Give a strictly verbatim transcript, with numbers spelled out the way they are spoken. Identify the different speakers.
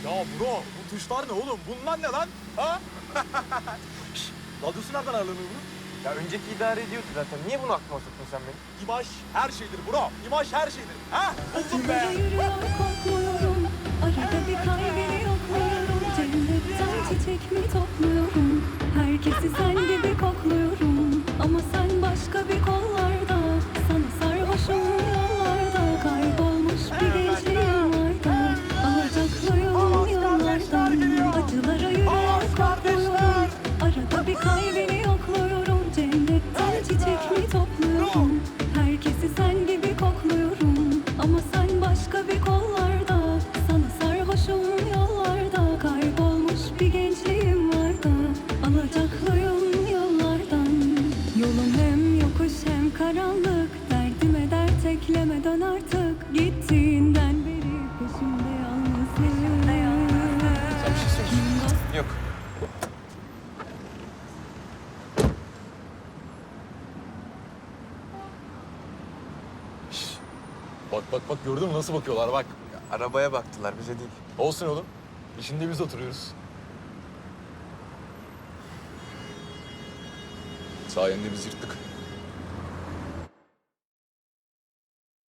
Speaker 1: Ya bro, bu tuşlar ne oğlum? Bunlar ne lan? Ha? Şşş, radyosu nereden ayarlanıyor bunun?
Speaker 2: Ya önceki idare ediyordu zaten. Niye bunu aklıma soktun sen benim?
Speaker 1: İmaj her şeydir bro. İmaj her şeydir. Ha? Buldum be.
Speaker 3: Acılara yürüyor korkmuyorum. Arada bir kalbini yokluyorum. Cennetten çiçek mi topluyorum? Herkesi sen gibi kokluyorum. Ama sen başka bir kollarda. Sana sarhoşum yollarda. Kaybolmuş bir gençliğim vardı. Alacaklıyım yollardan. Acılara yürüyor korkmuyorum. Arada bir kalbini yokluyorum. Cennetten çiçek mi topluyorum? Herkesi sen gibi kokluyorum. Ama sen başka bir kollarda. Sana sarhoşum yollarda. Kaybolmuş bir gençliğim vardı. Alacaklıyım yollardan. Yolum hem yokuş hem karanlık. Derdime dert eklemeden artık. Gittiğinden beri peşimde yalnızım.
Speaker 2: Sen bir şey söyleyeceksin. Yok.
Speaker 1: Bak bak bak gördün mü nasıl bakıyorlar bak.
Speaker 2: Ya, arabaya baktılar, bize değil.
Speaker 1: Olsun oğlum. İçinde biz oturuyoruz. Sayende biz yırttık.